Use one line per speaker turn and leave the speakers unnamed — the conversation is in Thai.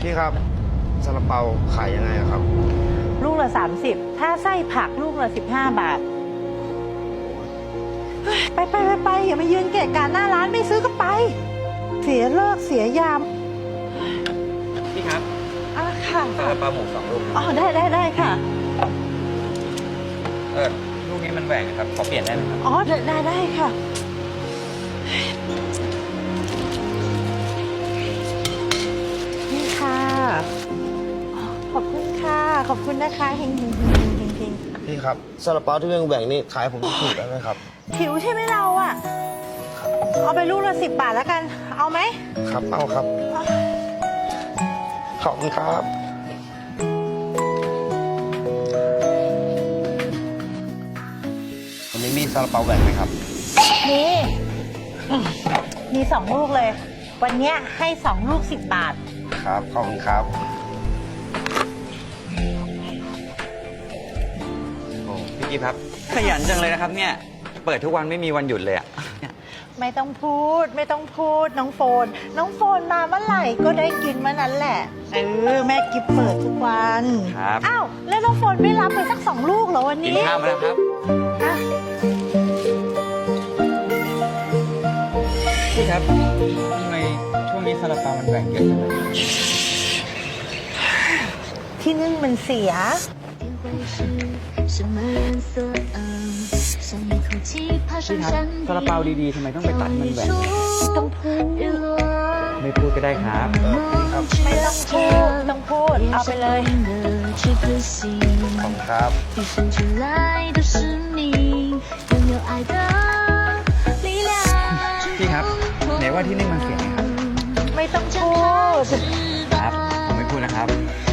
พี่ครับซาลาเปาขายยังไงอะครับ
ลูกละ30ถ้าไส้ผักลูกละ15 บาทเฮ้ยไปอย่ามายืนเกะกะหน้าร้านไม่ซื้อก็ไป เสียเลิกเสียยาม
พี่ครับ
ค่ะ
ซาลาเปาหมู2 ลูก
อ๋อได้ค่ะ
ลูกนี้มันแหว่งครับขอเปลี่ยนได้ไหมครับ
อ๋อได้ค่ะนี่ค่ะขอบคุณค่ะขอบคุณนะคะเฮง
พี่ครับซาลาเปาที่แบ่งๆนี่ขายผมถูกได้ไหมครับ
หิวใช่ไหมเราอ่ะเอาไปลูกละ10 บาทแล้วกัน เอาไหม
ครับเอาครับขอบคุณครับวันนี้มีซาลาเปาแบ่งไหมครับ
นี่มี2 ลูกเลย วันเนี้ยให้2 ลูก10 บาท
ครับขอบคุณครับ
โอ้พี่กิฟครับ ขยันจังเลยนะครับเนี่ย เปิดทุกวันไม่มีวันหยุดเลยอะ
ไม่ต้องพูดน้องโฟนมาเมื่อไหร่ก็ได้กินเมื่อนั้นแหละแม่กิฟเปิดทุกวัน
ครับ
อ้าวแล้วน้องโฟนไม่รับไปสัก2 ลูกเหรอวัน
กิน
นี้
ข้าวมาแล้วครับ
อ่ะ
พี่ครับทำไมช่วงนี้ซาลาเปามันแหว่งเยอะจังเลย
ที่นึ่งมันเสีย
พี่ครับซาลาเปาดีๆทำไมต้องไปตัดมันแหว่ง
ต้องพูด
ไม่พูดก็ได้ครับ
ไม่ต้องพูดเอาไปเลย
ขอบคุณครับ
พี่ครับไหนว่าที่นี่มันเสียงไงครับ
ไม่ต้องพูด
ครับ ผมไม่พูดนะครับ